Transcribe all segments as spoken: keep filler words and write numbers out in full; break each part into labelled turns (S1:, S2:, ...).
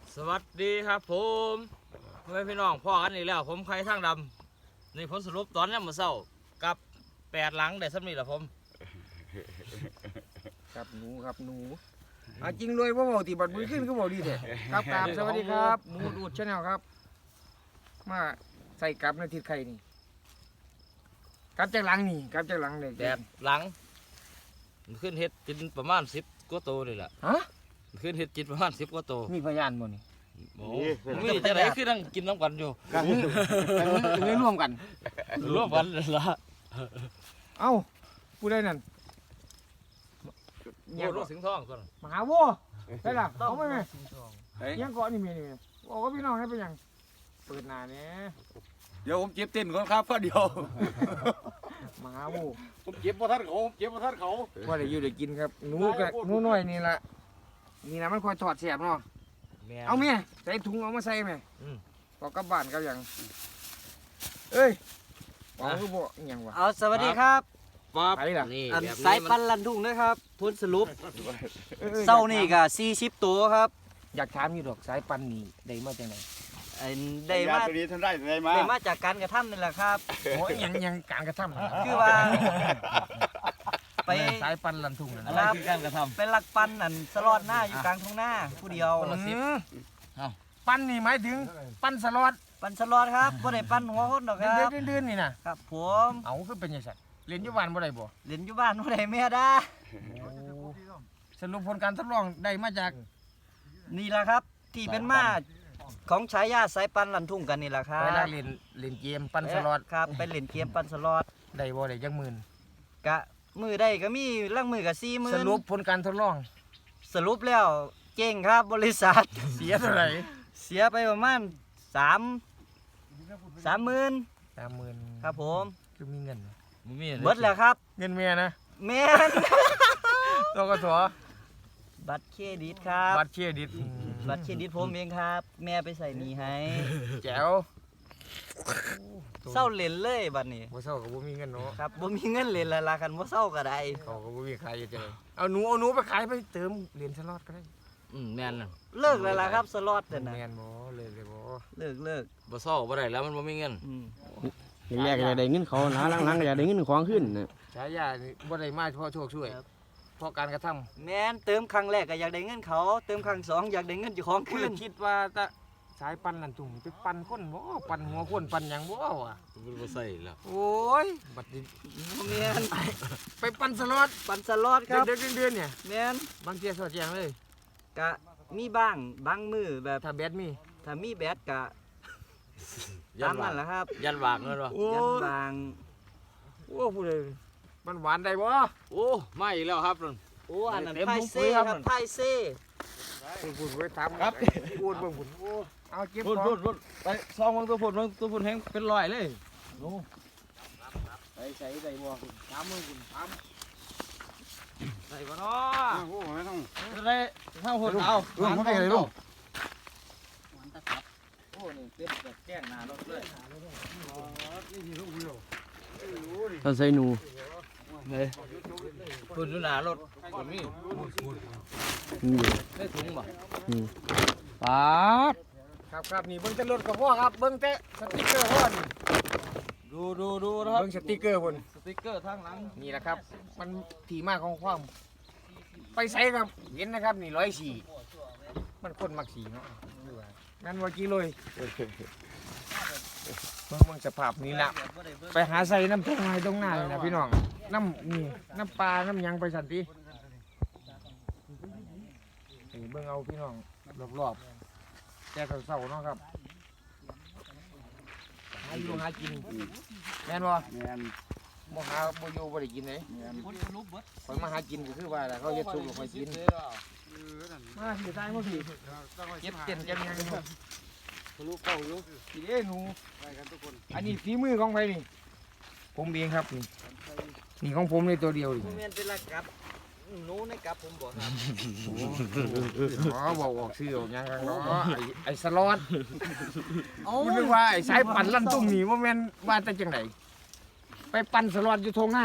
S1: สวัสดีครับผมเพื่อนพี่น้องพ่อกันอีกแล้วผมใครทางดำนี่ผลสรุปตอนนี้มาเศร้ากับแปดหลังได้สำนีแหละผม
S2: ครับหนูครับหนูอ่ะจริงเลยว่าบอกตีบัตรบุญขึ้นก็บอกดีแท้ครับครับสวัสดีครับหมูดูดชาแนลครับมาใส่กับในทิศไข่นี่กับจากหลังนี่กับจากหลังเลย
S1: แปดหลังมันขึ้นเห็ดกินประมาณสิบกว่าโตเลยล่ะ
S2: ฮะ
S1: มันขึ้นเห็ดกินประมาณสิบกว่าโต
S2: มีพยานบ่นี่
S1: โอ้มีจะไหนคือนั่งกินน้ำกันอยู่
S2: กันกันเลยร่วมกัน
S1: ร่วมกันเลยละ
S2: เอ้าผู้ใดนั่น
S1: โอ้รถสิงห์ทองก่อน
S2: มหาวัวได้ล่ะเขาไม่ไหมยังเกาะนี่มีนี่บอกว่าพี่น้องให้เป็นยังเปิดหน้าเนี่ย
S3: เดี๋ยวผมเจ็บเต้นก่อนครับก็เดียว
S2: มหาวัว
S3: ผมเจ็บเพราะท่านเขาผมเจ็บเพราะท่านเขา
S2: ว่าได้อยู่ได้กินครับหนูกับหนูน้อยนี่ละนี่นะมันคอยถอดเสียบเนาะเอาเมียใส่ถุงเอามาใส่ไหมพอกลับบ้านกับยังเอ้ยเอาคือบ่อิหยังวะ
S4: เอาสวัสดีครับ
S1: ปั๊บ
S2: ไปล่ะ
S1: นี่
S4: อัน
S1: แบบ
S4: สาย
S1: นี้
S4: ปั
S1: มัน
S4: นลันทุ่งนะครับทุนสรุป
S2: ออออ
S4: เศร้านี่ก็สี่สิบตัวครับ
S2: อยากถามอยู่ดอกสายปันนี่ได้มาจากไหน
S4: อันได้
S3: ยา
S4: มา
S3: ตัวนี้ท่านได้ได้มา
S4: ได้มาจากการกระทำนี่แหละครับ
S2: โอ้ยยังยังการกระทำ
S4: คือว่า ไป
S2: สายปันลันทุ่งนะ
S1: อะไรคือการกระท
S4: เป็นลักปันอันสลอดหน้าอยู่กลางทุ่งหน้าผู้เดียว
S2: อืมปันนี่หมายถึงปันสล็อต
S4: ปันสลอดครับบ่ได้ปันหัวคนดอกค
S2: เดื
S4: รั
S2: อบ นเดือนๆนี่นะครับ
S4: ผม
S2: เอาคือเป็นยังไงเรียนอยุบานบ่ได้บ่
S4: เล่นอยู่บ้านบ่ได้แม่ด้า
S2: สรุปผลการทดลองได้มาจาก
S4: นี่แหละครับ ที่เป็นมาของฉายาสายปันลันทุ่งกันนี่แหละครั
S2: ไป
S4: บ
S2: ลากเรียนเรียนเกมปันสล็อต
S4: ครับไปเล่นเกมปันสลอด
S2: ได้บ่ได้จักหมื่น
S4: กะมือได้ก็มีล่างมือก็สี่หมื่
S2: ส
S4: น
S2: รุปผลการทดลอง
S4: สรุปแล้วเก่งครับบริษัท
S2: เสียเท่าไหร่
S4: เสียไปประมาณสามสามหมื่น
S2: สามหมื่น
S4: ครับผม
S2: คือมีเงิน
S1: ำมันมี
S4: เบิดแล้วครับ
S2: เงินเมียนะ
S4: แม่น
S2: ตกส
S4: บัตรเครดิตครับ
S2: บัตรเครดิต
S4: บัตรเครดิตผมเองครับ แม่ไปใส่หนี้ให้
S2: แจ๋ว
S4: เศร้าเล่นเลยบัดนี้
S2: บ่เศร้าก็บ่มีเงินเนาะ
S4: ครับบ่มีเงินเล่นและล่ะกันบ่เศร้าก็ได้
S2: เขาก็บ่มีขายอยู่เจอเอาหนูเอาหนูไปขายไปเติมเหรียญสล็อตก็ได้
S1: อืมแม่นน่ะ
S4: เลิกแล้วล่ะครับสล็อตนั่นน่ะ
S2: แม่นบ่เลยเลยบ่
S4: เลิกเลิก
S1: บ่เศร้าบ่ได้แล้วมันบ่มีเงิน
S4: อืม
S5: แรกๆก็อยากได้เงินเขานะหลังๆก็อยากได้เงินของขึ้นนะ
S2: ฉายานี่บ่ได้มาเพราะโชคช่วยเพราะการกระทำ
S4: แม่นเติมครั้งแรกก็อยากได้เงินเขา เติมครั้งสองอยากได้เงินเจ้าของ
S2: คื
S4: คื
S2: อน คิดว่าตะสายปันนั่นตุ่มไปปันคนบ่ปันหัวคนปันหยังบ่อ่ะ
S1: มันบ่ใส่แล้ว
S2: โอ้ยบัดนี้
S4: บ่แม่น
S2: ไปปันสล็อต
S4: ปันสล็อตครับ
S2: เดือนๆเดือนๆเนี่ย
S4: แม่น
S2: บางเที่ยสอดแจงเลย
S4: กะมีบ้างบางมือแบบ
S2: ถ้าแบดมี
S4: ถ้ามีแบตกะ
S1: ยั
S4: ตาน ม
S1: วา
S4: นั่
S1: ง
S4: นแหละครับ
S1: ยันวางเงินวะ
S2: โอ้
S4: ยัน
S2: ย
S4: บาง
S2: โอ้พูดเลยมันหวานได้บ่
S1: โอ้มาอีกแล้วครับนั่น
S4: โอ้อันนั้น
S1: เต็ม
S4: ไพ่
S1: ถุงปุ๋
S4: เซ่
S1: ยครับ
S4: ครับไพ่เซ่
S2: พูดพูดไว้ถามครับพูดเบิ่งพูดโอ้เอาเก็บ
S1: พุ่น
S2: ขอ
S1: พุ่
S2: ง
S1: นพุ่นไปซองมึงตัวพุ่นมึงตัวพุ่นแห้งเป็นรอยเลย
S2: ใส่ใส่ได้บ่คุณถามมึงคุณถาม
S1: ใส่บ่เนาะ
S3: โอ้โหไม่ต้อง
S1: จะได้ข้าวพุ่นเอา
S3: ลุงเขาได้เลยลุง
S2: โอ้นี่เป็นแบบแกล้งหน้ารถเลย
S5: เราใส่หนู
S1: พุ่นอยู่หน้ารถพุ่นมี
S5: นี่
S1: ได้ถุงบ่
S5: นี่ป๊าด
S2: ครับครับนี่เบิ่งแต่รถก็พอครับเบิ่งแต่สติ๊กเกอร์พ่อนี่
S1: ดูดูดูนะครับ
S2: เบิ่งสติ๊กเกอร์พุ่น
S1: สติ๊กเกอร์ทางหลัง
S2: นี่แหละครับ มันที่มาของความไปใส่ครับเห็นนะครับนี่ร้อยสี่มันคนมักสีเนาะงั้นว่ากี่เลยเบิ่งเบิ่งสภาพนี้ละไปหาใส่น้ำตรงไหนตรงหน้าเลยนะพี่น้องน้ำนี่น้ำปลาน้ำหยังไปสันตินี่เบิ่งเอาพี่น้องรอบๆแต่เศร้าๆเนาะครับหาอยู่หากินแม่นบ่
S3: แมน
S2: บ่หาบ่อยู่บ่ได้กินเลย
S3: แมน
S2: คอยมาหากินก็คือว่าแหละเขาเฮ็ดซุปแล้วคอยกินมาสิตายมาสิเก็บเต็นจังยังอยู่
S3: ทะลุเป้าอยู่
S2: สิเด้หนู
S3: ไปกันทุกคน
S2: อันนี้ฝีมือของใครนี่ผมเองครับนี่นี่ของผมเลยตัวเดียวนี่
S4: ผมเรียนเป็นลักกับหนูในกับผมบอกครับ
S2: อ๋อบอกออกชื่อออกหยังกันเนาะไอ้ไอ้สล็อตคุณนึกว่าไอ้สายปั่นลั่นตุ้มนี่ว่าแม่นว่าแต่จังไดไปปั่นสล็อตอยู่ทงหน้า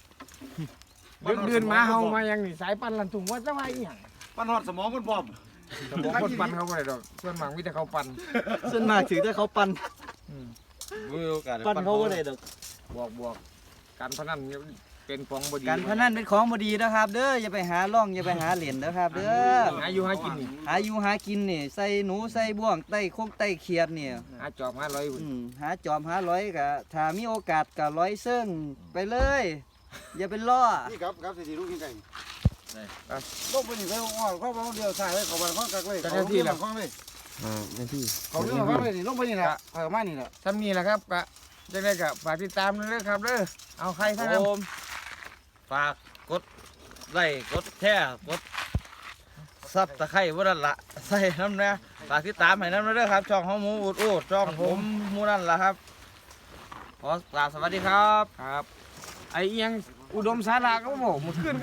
S2: เดินเดินมาเฮามายังนี่สายปั่นลั่นตุ้มว่าจะว่าอีหยัง
S3: ปั้นหอดสมองคนพร้อม
S2: แต่บอกคนปั่นเขาบ่ได้ดอกส่วนมากมีแต่เขาปั่น
S4: ส่วนมากถือแต่เขาปั่น
S2: อืม
S3: มีโอกาส
S4: ปั่นเขาบ่ได้ดอก
S2: บวกบวกการพนันเนี่ยเป็นของบดี
S4: การพนันเป็นของบ่ดีนะครับ เด้ออย่าไปหาล่องอย่าไปหาเหรียญนะครับ เด้อ
S2: หาอยู่หากินนี่
S4: หาอยู่หากินนี่ใส่หนูใส่บ่วงไต้คกไต้เขียดนี่
S2: หาจอบหาร้อยอยู่
S4: อืมหาจอมหาร้อยก็ถ้ามีโอกาสก็ร้อยเซิ่งไปเลย อย่าเป็นล่อ
S3: นี่ครับครับสิลูกกินไก่ลงไปนี่ไปอ้อมเข้ามาเดียวใส่เลยเขาบ้านเขากักเลยเขาเรื่องของเลย
S5: อ่าหน้าที่
S3: เขาเรื่องของเลยนี่ลงไปนี่แหละเออมานี่แหละ
S2: ทำนี่แหละครับกะจะได้กับฝากติดตามด้วยนะครับเด้อเอาใครท่านน
S1: ผมฝากกดไลค์กดแชร์กดซับตะไคร้บ่นั่นละใส่น้ำนะฝากติดตามให้น้ำด้วยครับช่องของหมูอุดอูดช่องผมหมูนั่นละครับขอกราบสวัสดีครับ
S2: ำครับ ไอ้เอียงอุดมสาราก็บอกหมดขึ้น